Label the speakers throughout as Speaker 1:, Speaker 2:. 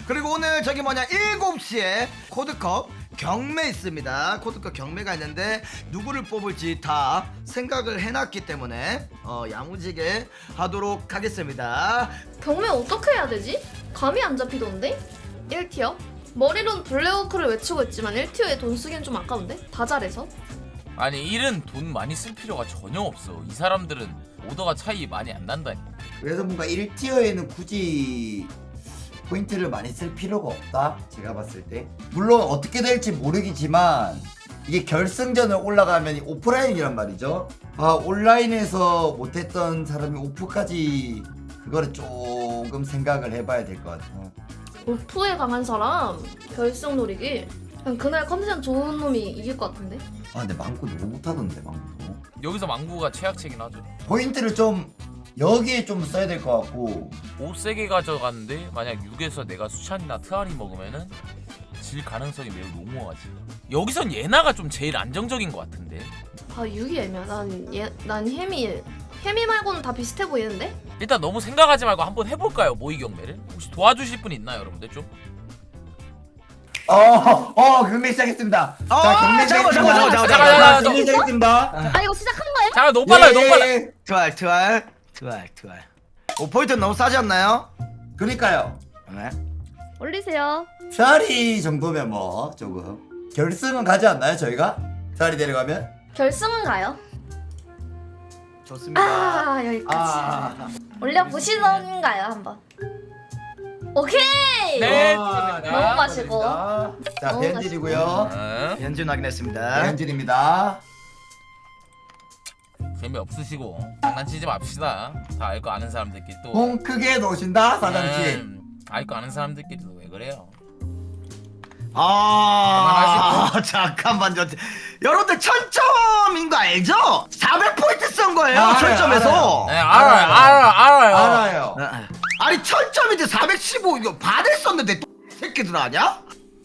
Speaker 1: 그리고 오늘 저기 뭐냐 7시에 코드컵 경매 있습니다. 코드컵 경매가 있는데 누구를 뽑을지 다 생각을 해놨기 때문에 야무지게 하도록 하겠습니다.
Speaker 2: 경매 어떻게 해야 되지? 감이 안 잡히던데? 1티어? 머리론 블랙워크를 외치고 있지만 1티어에 돈 쓰기엔 좀 아까운데? 다 잘해서?
Speaker 3: 아니 일은 돈 많이 쓸 필요가 전혀 없어. 이 사람들은 오더가 차이 많이 안 난다니까.
Speaker 4: 그래서 뭔가 1티어에는 굳이 포인트를 많이 쓸 필요가 없다 제가 봤을 때. 물론 어떻게 될지 모르겠지만 이게 결승전을 올라가면 오프라인이란 말이죠. 아 온라인에서 못했던 사람이 오프까지 그거를 조금 생각을 해봐야 될 것 같아요.
Speaker 2: 오프에 강한 사람 결승 노리기 그냥 그날 컨디션 좋은 놈이 이길 것 같은데?
Speaker 4: 아 근데 망고 너무 못하던데 망고.
Speaker 3: 여기서 망구가 최악체긴 하죠.
Speaker 4: 포인트를 좀 여기에 좀 써야 될 것 같고.
Speaker 3: 5 세게 가져갔는데 만약 6에서 내가 수찬이나 트알이 먹으면은 질 가능성이 매우 농후하지. 여기선 예나가 좀 제일 안정적인 것 같은데.
Speaker 2: 아 6이 애매하다. 난 혜미 말고는 다 비슷해 보이는데?
Speaker 3: 일단 너무 생각하지 말고 한번 해볼까요? 모의 경매를? 혹시 도와주실 분 있나요 여러분들 좀?
Speaker 4: 경매 시작했습니다. 자, 경매
Speaker 1: 잠깐만.
Speaker 4: 경매 시작했습니다.
Speaker 2: 아 이거 시작한 거예요?
Speaker 3: 잠깐 너무 빨라요 너무 빨라.
Speaker 1: 트왈 5포인트 너무 싸지 않나요?
Speaker 4: 그러니까요.
Speaker 1: 네.
Speaker 2: 올리세요.
Speaker 4: 트아리 정도면 뭐 조금 결승은 가지 않나요 저희가? 트아리 내려가면?
Speaker 2: 결승은 가요.
Speaker 1: 좋습니다.
Speaker 2: 아 여기까지. 올려보시던가요 한번. 오케이.
Speaker 3: 네.
Speaker 2: 너무 마시고.
Speaker 4: 자
Speaker 2: 너무
Speaker 4: 벤질이고요.
Speaker 1: 현준 확인했습니다.
Speaker 4: 벤질입니다.
Speaker 3: 재미없으시고 장난치지 맙시다. 다 알 거 아는 사람들끼리 또
Speaker 4: 홍 크게 놓으신다 사장님.
Speaker 3: 알 거 아는 사람들끼리도 왜 그래요?
Speaker 1: 잠깐만요. 여러분들 1000점인 거 알죠? 400포인트 쓴 거예요.
Speaker 4: 알아요,
Speaker 1: 1000점에서.
Speaker 3: 네 알아요.
Speaker 4: 알아요.
Speaker 1: 아니 1000점인데 415 이거 받을 썼는데 새끼들 아냐?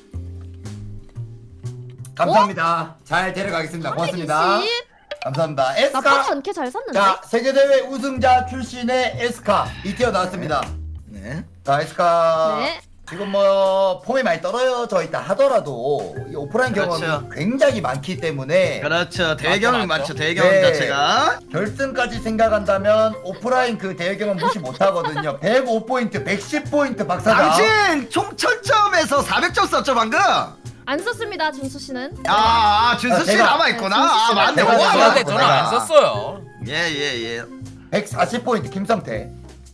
Speaker 4: 감사합니다. 잘 데려가겠습니다. 고맙습니다.
Speaker 2: 420?
Speaker 4: 감사합니다.
Speaker 2: 나쁘지
Speaker 4: 에스카.
Speaker 2: 않게 잘 샀는데?
Speaker 4: 자 세계대회 우승자 출신의 에스카 2티어 나왔습니다.
Speaker 1: 네.
Speaker 4: 자 에스카.
Speaker 2: 네.
Speaker 4: 지금 뭐 폼이 많이 떨어져 있다 하더라도 이 오프라인
Speaker 1: 그렇죠.
Speaker 4: 경험이 굉장히 많기 때문에
Speaker 1: 그렇죠. 대경험
Speaker 3: 맞죠.
Speaker 1: 맞죠. 대경험
Speaker 4: 네.
Speaker 1: 자체가.
Speaker 4: 결승까지 생각한다면 오프라인 그 대회 경험 무시 못하거든요. 105포인트, 110포인트 박사장.
Speaker 1: 당신 총 1000점에서 400점 썼죠 방금?
Speaker 2: 안 썼습니다 준수 씨는.
Speaker 1: 준수 씨
Speaker 4: 제가-
Speaker 1: 남아있구나.
Speaker 2: 준수 씨가-
Speaker 1: 맞네.
Speaker 4: 제가-
Speaker 1: 우와,
Speaker 4: 제가-
Speaker 3: 근데 저는 안 썼어요.
Speaker 1: 예.
Speaker 4: 140포인트 김성태.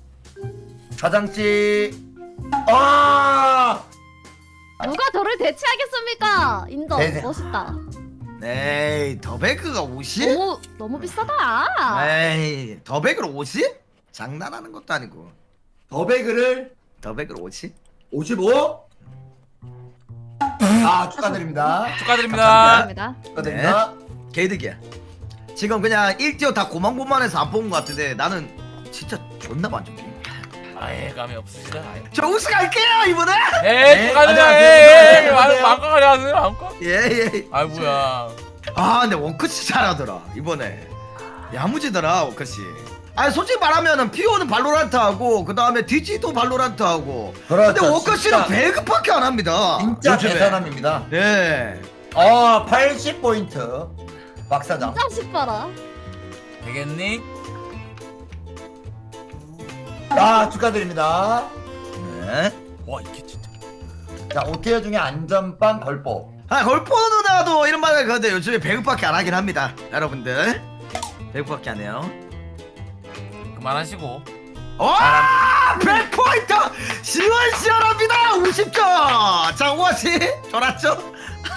Speaker 4: 사장씨. 아!
Speaker 2: 누가 저를 대체하겠습니까? 인정.
Speaker 4: 네네.
Speaker 2: 멋있다.
Speaker 1: 에이 더베그가 50?
Speaker 2: 너무 비싸다.
Speaker 1: 에이 더베그로 50? 장난하는 것도 아니고.
Speaker 4: 더베그를
Speaker 1: 더베그로 50?
Speaker 4: 55? 축하드립니다.
Speaker 3: 축하드립니다.
Speaker 2: 감사합니다.
Speaker 4: 축하드립니다.
Speaker 1: 개이득이야. 지금 그냥 1티어 다 고만고만해서 안 뽑은 것 같은데 나는 진짜 존나 만족해.
Speaker 3: 아예 감이 없으시다.
Speaker 1: 저 우승할게요 이번에.
Speaker 3: 에이 축하드려요.
Speaker 4: 안녕하세요.
Speaker 3: 마음껏 하세요 마음껏.
Speaker 1: 예.
Speaker 3: 아 뭐야.
Speaker 1: 근데 원크씨 잘하더라 이번에. 야무지더라 원크씨. 아니 솔직히 말하면은 피오는 발로란트 하고 그 다음에 디지도 발로란트 하고.
Speaker 4: 그렇죠.
Speaker 1: 근데 원크씨는
Speaker 4: 진짜-
Speaker 1: 배급밖에 안 합니다.
Speaker 4: 진짜
Speaker 1: 요즘에.
Speaker 4: 대단합니다.
Speaker 1: 네.
Speaker 4: 80포인트. 박사장.
Speaker 2: 진짜 싶어라.
Speaker 3: 되겠니?
Speaker 4: 축하드립니다.
Speaker 1: 네.
Speaker 3: 와 이게 진짜.
Speaker 4: 자, 5티어 중에 안전빵 걸보.
Speaker 1: 걸포 누나도 이런 말을 그런데 요즘에 배급밖에 안 하긴 합니다. 여러분들. 배급밖에 안 해요.
Speaker 3: 그만하시고.
Speaker 1: 와! 100포인트! 시원시원합니다! 50점! 자, 오아씨 좋았죠?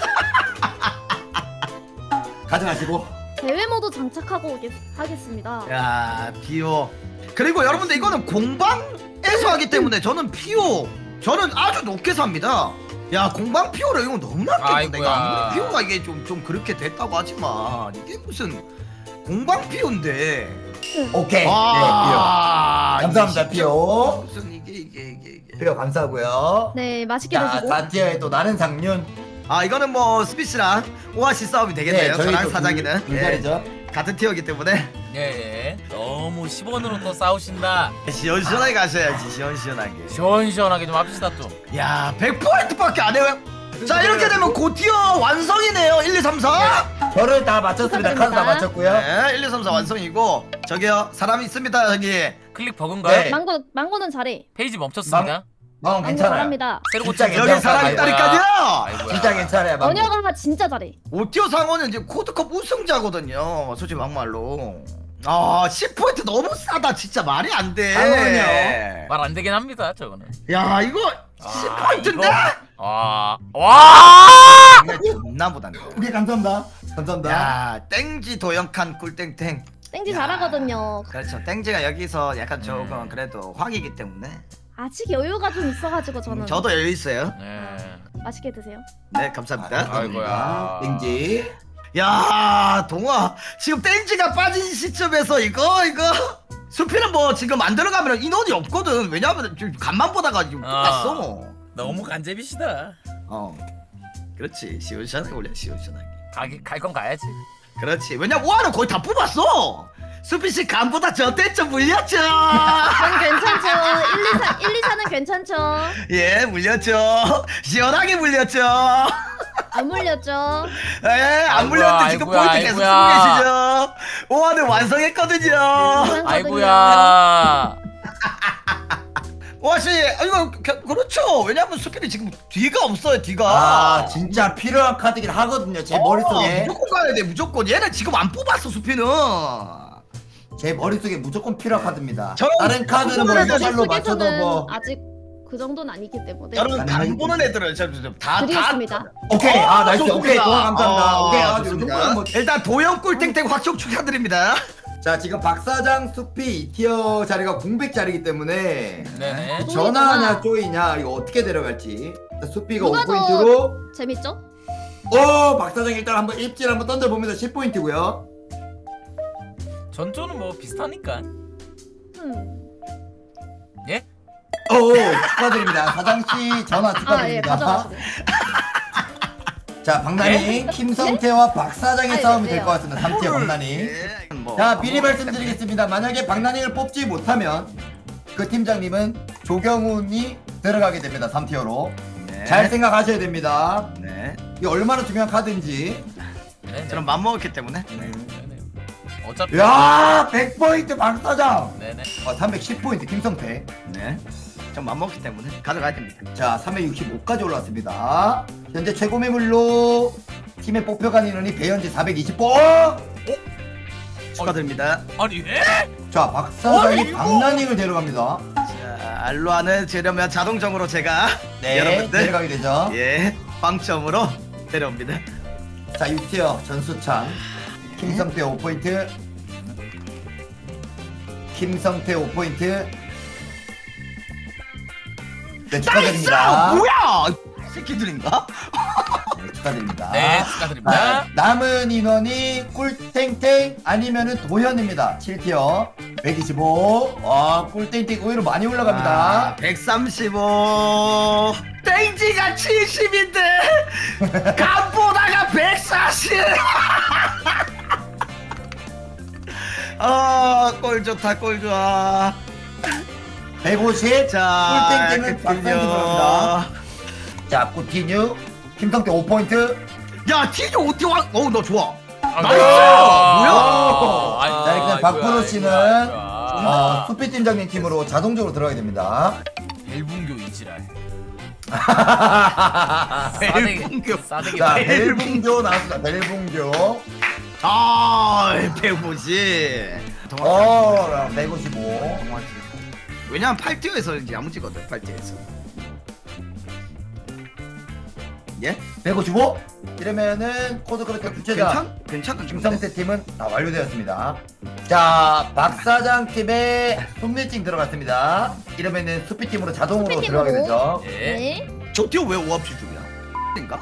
Speaker 4: 가져가시고.
Speaker 2: 대회 모드 장착하고 하겠습니다.
Speaker 1: 야, 피오. 그리고 여러분들 이거는 공방에서 하기 때문에 저는 피오 저는 아주 높게 삽니다. 야, 공방 피오를 이거 너무 낮게 본다. 이거
Speaker 3: 아이고야.
Speaker 1: 아무리 피오가 이게 좀 그렇게 됐다고 하지만 이게 무슨 공방 피오인데.
Speaker 4: 오케이.
Speaker 1: 아,
Speaker 4: 네, 감사합니다, 피오.
Speaker 1: 무슨 이게.
Speaker 4: 피오 감사하고요.
Speaker 2: 네 맛있게
Speaker 4: 자,
Speaker 2: 드시고.
Speaker 4: 4티어에 또 나는 상륜.
Speaker 1: 이거는 뭐 스피치랑 오아시 싸움이 되겠네요. 저랑 사장이는
Speaker 4: 불자리죠.
Speaker 1: 같은 티어이기 때문에
Speaker 3: 예. 너무 10원으로 또 싸우신다.
Speaker 1: 시원시원하게 가셔야지 시원시원하게.
Speaker 3: 시원시원하게 좀 합시다 또.
Speaker 1: 야 100%밖에 안 해요. 자 이렇게 되면 고티어 완성이네요. 1, 2, 3, 4.
Speaker 4: 저를 다 맞췄습니다. 카드 다 맞췄고요.
Speaker 1: 네 1, 2, 3, 4 완성이고 저기요 사람 있습니다 저기.
Speaker 3: 클릭 버그인가요?
Speaker 4: 네.
Speaker 2: 망고는 잘해.
Speaker 3: 페이지 멈췄습니다.
Speaker 4: 망
Speaker 2: 망고
Speaker 4: 괜찮아요.
Speaker 2: 잘합니다.
Speaker 3: 새로
Speaker 4: 진짜
Speaker 3: 고친
Speaker 1: 여기 사람
Speaker 3: 아이고야.
Speaker 1: 있다니까요.
Speaker 3: 아이고야.
Speaker 4: 진짜 괜찮아요. 망고.
Speaker 2: 언어가 진짜 잘해.
Speaker 1: 오티어 상어는 이제 코드컵 우승자거든요. 솔직히 막말로. 아 10포인트 너무 싸다 진짜 말이 안 돼.
Speaker 4: 상어는요?
Speaker 3: 말 안 되긴 합니다 저거는.
Speaker 1: 야 이거
Speaker 3: 아,
Speaker 1: 10포인트인데?
Speaker 3: 와.
Speaker 1: 존나 못한다.
Speaker 4: 오케이 감사합니다. 감사합니다.
Speaker 1: 야 땡지 도영칸 꿀땡땡.
Speaker 2: 땡지
Speaker 1: 야.
Speaker 2: 잘하거든요.
Speaker 1: 그렇죠. 땡지가 여기서 약간 조금 그래도 확이기 때문에
Speaker 2: 아직 여유가 좀 있어가지고 저는
Speaker 1: 저도 여유 있어요.
Speaker 3: 네.
Speaker 2: 맛있게 드세요.
Speaker 1: 네 감사합니다.
Speaker 3: 아이고야.
Speaker 4: 땡지.
Speaker 1: 야 동아 지금 땡지가 빠진 시점에서 이거 수피는 뭐 지금 안 들어가면 인원이 없거든. 왜냐면 지금 간만 보다가 지금 끝났어.
Speaker 3: 너무 간제비시다.
Speaker 1: 그렇지 시원시원하게 올려 시원시원하게.
Speaker 3: 갈 건 가야지.
Speaker 1: 그렇지. 왜냐면 오하는 거의 다 뽑았어. 수피씨 간보다 저 때쯤 물렸죠.
Speaker 2: 전 괜찮죠. 1, 2, 4는 괜찮죠.
Speaker 1: 예 물렸죠. 시원하게 물렸죠.
Speaker 2: 안 물렸죠.
Speaker 1: 예, 안
Speaker 3: 아이고야,
Speaker 1: 물렸는데 지금
Speaker 3: 아이고야,
Speaker 1: 포인트 계속 쓰고
Speaker 3: 아이고야.
Speaker 1: 계시죠. 오하는 완성했거든요.
Speaker 2: 괜찮거든요.
Speaker 3: 아이고야.
Speaker 1: 오하씨, 이거 그렇죠. 왜냐면 수피는 지금 뒤가 없어요, 뒤가.
Speaker 4: 아 진짜 필요한 카드긴 하거든요. 제 머릿속에.
Speaker 1: 무조건 가야 돼, 무조건. 얘는 지금 안 뽑았어, 수피는.
Speaker 4: 제 머릿속에 무조건 필요한 카드입니다.
Speaker 1: 저는
Speaker 4: 다른 카드는 뭐
Speaker 1: 저는
Speaker 4: 이걸로 맞춰도
Speaker 2: 속에서는
Speaker 4: 뭐.
Speaker 2: 아직 그 정도는 아니기 때문에
Speaker 1: 저는 간 보는 애들은 다
Speaker 2: 드리겠습니다.
Speaker 4: 오케이. 아 나이스.
Speaker 1: 좋습니다.
Speaker 4: 오케이. 도와 감사합니다. 오케이. 아 이
Speaker 1: 좋습니다.
Speaker 4: 정도는 뭐.
Speaker 1: 일단 도영 꿀탱탱 확정 축하드립니다.
Speaker 4: 자 지금 박사장 수피 2티어 자리가 공백 자리이기 때문에
Speaker 3: 네네.
Speaker 4: 전화냐 쪼이냐 이거 어떻게 데려갈지. 수피가
Speaker 2: 누가
Speaker 4: 5포인트로.
Speaker 2: 재밌죠?
Speaker 4: 박사장 일단 한번 입질 한번 던져봅니다. 10포인트고요.
Speaker 3: 전조는 뭐 비슷하니까. 예?
Speaker 4: 축하드립니다. 사장씨 전화
Speaker 2: 아 예
Speaker 4: 축하드립니다.
Speaker 2: 가져가시네요.
Speaker 4: 자 박나니 김성태와 박사장의
Speaker 2: 아,
Speaker 4: 싸움이
Speaker 2: 네,
Speaker 4: 될 것 같습니다. 3티어 박나니.
Speaker 1: 예, 뭐.
Speaker 4: 자 미리 말씀드리겠습니다. 만약에 박나니를 뽑지 못하면 그 팀장님은 조경훈이 들어가게 됩니다. 3티어로.
Speaker 1: 네.
Speaker 4: 잘 생각하셔야 됩니다.
Speaker 1: 네.
Speaker 4: 이게 얼마나 중요한 카드인지.
Speaker 3: 네네.
Speaker 1: 저는 맘먹었기 때문에. 네.
Speaker 3: 네네. 어차피.
Speaker 4: 야 100포인트 박사장.
Speaker 3: 네네.
Speaker 4: 310포인트 김성태.
Speaker 1: 네. 전 맘먹기 때문에 가져가야 됩니다.
Speaker 4: 자 365까지 올랐습니다. 현재 최고 매물로 팀에 뽑혀간 인원이 배현지 420번.
Speaker 1: 축하드립니다.
Speaker 3: 아니 예?
Speaker 4: 자 박사장이
Speaker 3: 이거?
Speaker 4: 박나닝을 데려갑니다.
Speaker 1: 자, 알로아는 재려면 자동적으로 제가
Speaker 4: 네
Speaker 1: 여러분들
Speaker 4: 데려가게 되죠.
Speaker 1: 예 빵점으로 데려옵니다.
Speaker 4: 자 6티어 전수찬 김성태 5포인트. 김성태 5포인트. 네
Speaker 1: 나이스!
Speaker 4: 축하드립니다.
Speaker 1: 뭐야? 새끼들인가?
Speaker 4: 네, 축하드립니다.
Speaker 3: 네 축하드립니다.
Speaker 4: 아, 남은 인원이 꿀탱탱 아니면은 도현입니다. 7티어 125. 꿀탱탱 의외로 많이 올라갑니다.
Speaker 1: 135. 땡지가 70인데 간보다가 140. 꼴 좋다 꼴 좋아.
Speaker 4: 150.
Speaker 1: 자,
Speaker 4: 꿀땡땡은 박상기 들어갑니다. 자, 꾸티뉴 김성태 5포인트.
Speaker 1: 야 티저 어떻게 와? 너 좋아.
Speaker 3: 나이스!
Speaker 4: 자, 이렇게 박프로 씨는 수피 팀장님 팀으로 자동적으로 들어가게 됩니다.
Speaker 3: 벨붕교 이지랄.
Speaker 1: 벨붕교.
Speaker 3: 싸대기.
Speaker 4: 자, 벨붕교 나왔습니다. 벨붕교.
Speaker 1: 아, 150.
Speaker 4: 155.
Speaker 1: 왜냐면 8티어에서 이제 야무지거든 8티어에서. 예?
Speaker 4: 155. 이러면은 코드 그렇게 주체자
Speaker 1: 괜찮은
Speaker 4: 김성태 팀은 다 완료되었습니다. 자, 박사장 팀에 손밀징 들어갔습니다. 이러면은 수피 팀으로 자동으로
Speaker 2: 수피
Speaker 4: 들어가게
Speaker 2: 팀으로.
Speaker 4: 되죠.
Speaker 3: 예.
Speaker 2: 네.
Speaker 1: 저 티어 왜 5합치 중이야? 인가?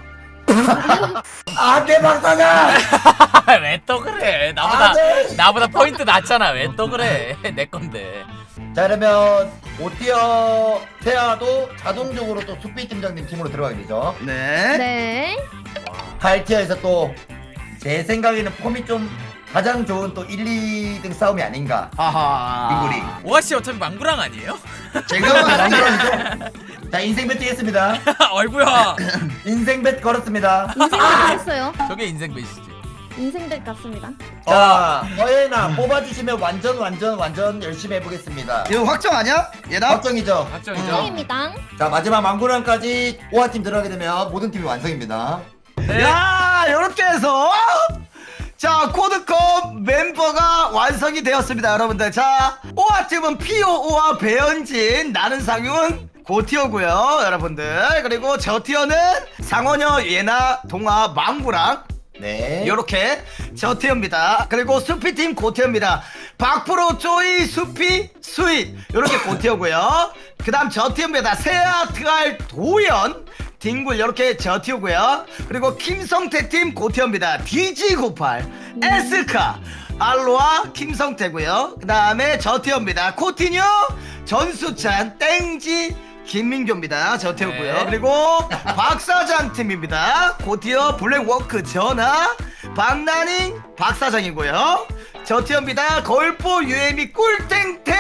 Speaker 4: 안돼 박사장.
Speaker 3: 왜 또 그래?
Speaker 4: 안 돼.
Speaker 3: 나보다 포인트 낮잖아. 왜 또 그래? 내 건데.
Speaker 4: 자 그러면 5티어 태아도 자동적으로 또 수피 팀장님 팀으로 들어가게 되죠.
Speaker 1: 네.
Speaker 2: 네.
Speaker 4: 8티어에서 또 제 생각에는 폼이 좀 가장 좋은 또 1, 2등 싸움이 아닌가.
Speaker 1: 아하.
Speaker 4: 빙구리.
Speaker 3: 오아씨 어차피 망구랑 아니에요?
Speaker 1: 제가
Speaker 4: 남자이죠. 자 인생 bet 뛰겠습니다.
Speaker 3: 얼굴야.
Speaker 4: 인생 bet 걸었습니다.
Speaker 5: 인생bet 했어요.
Speaker 3: 저게 인생 배시지.
Speaker 5: 인생bet 같습니다.
Speaker 4: 자 허예나 뽑아주시면 완전 열심히 해보겠습니다.
Speaker 1: 이거 확정 아니야? 얘나?
Speaker 4: 확정이죠.
Speaker 3: 확정이죠.
Speaker 5: 인생입니다.
Speaker 4: 자 마지막 망구랑까지 오아팀 들어가게 되면 모든 팀이 완성입니다.
Speaker 3: 네.
Speaker 1: 야, 이렇게 해서 자 코드컵 멤버가 완성이 되었습니다, 여러분들. 자 오아팀은 피오오와 배현진, 나는 상윤, 고티어고요, 여러분들. 그리고 저 티어는 상원여, 예나, 동아, 망구랑
Speaker 4: 네.
Speaker 1: 요렇게 저티어입니다. 그리고 수피팀 고티어입니다. 박프로, 쪼이, 수피, 수이 요렇게 고티어고요. 그 다음 저티어입니다. 세아, 트알, 도연, 딩굴 요렇게 저티어고요. 그리고 김성태팀 고티어입니다. DG98, 에스카, 알로아, 김성태고요. 그 다음에 저티어입니다. 코티뉴, 전수찬, 땡지, 김민교입니다. 저태우고요.
Speaker 3: 네.
Speaker 1: 그리고 박사장 팀입니다. 고티어 블랙워크 전하, 박나닝, 박사장이고요. 저티어입니다. 걸포 유에미 꿀탱탱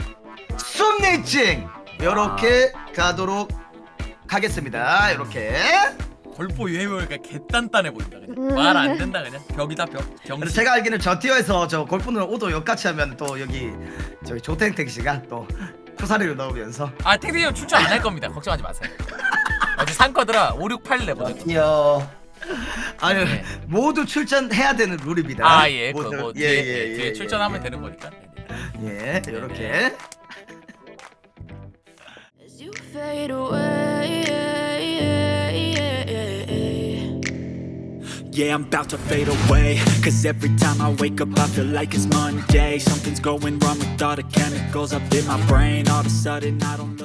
Speaker 1: 숨니칭 요렇게 가도록 하겠습니다. 요렇게.
Speaker 3: 걸포 유해보니까 개단단해 보인다 그냥. 말 안 된다 그냥. 벽이다 벽.
Speaker 1: 그래서
Speaker 3: 경시.
Speaker 1: 제가 알기는 저티어에서 저 골프는 오도 역같이 하면 또 여기 저기 조탱탱 씨가 또 코사리를 넣으면서
Speaker 3: 아 탱탱이 형 출전 안 할 겁니다. 걱정하지 마세요. 어제 상커드라 5, 6, 8 내보내.
Speaker 4: 뛰어.
Speaker 1: 아니
Speaker 3: 네.
Speaker 1: 모두 출전해야 되는 룰입니다.
Speaker 3: 아 예.
Speaker 1: 모두.
Speaker 3: 그뭐
Speaker 1: 예,
Speaker 3: 뒤에 출전하면 되는 거니까.
Speaker 1: 예, 이렇게.
Speaker 6: As you fade away,
Speaker 7: Yeah, I'm about to fade away. Cause every time I wake up, I feel like it's Monday. Something's going wrong with all the chemicals up in my brain. All of a sudden, I don't know.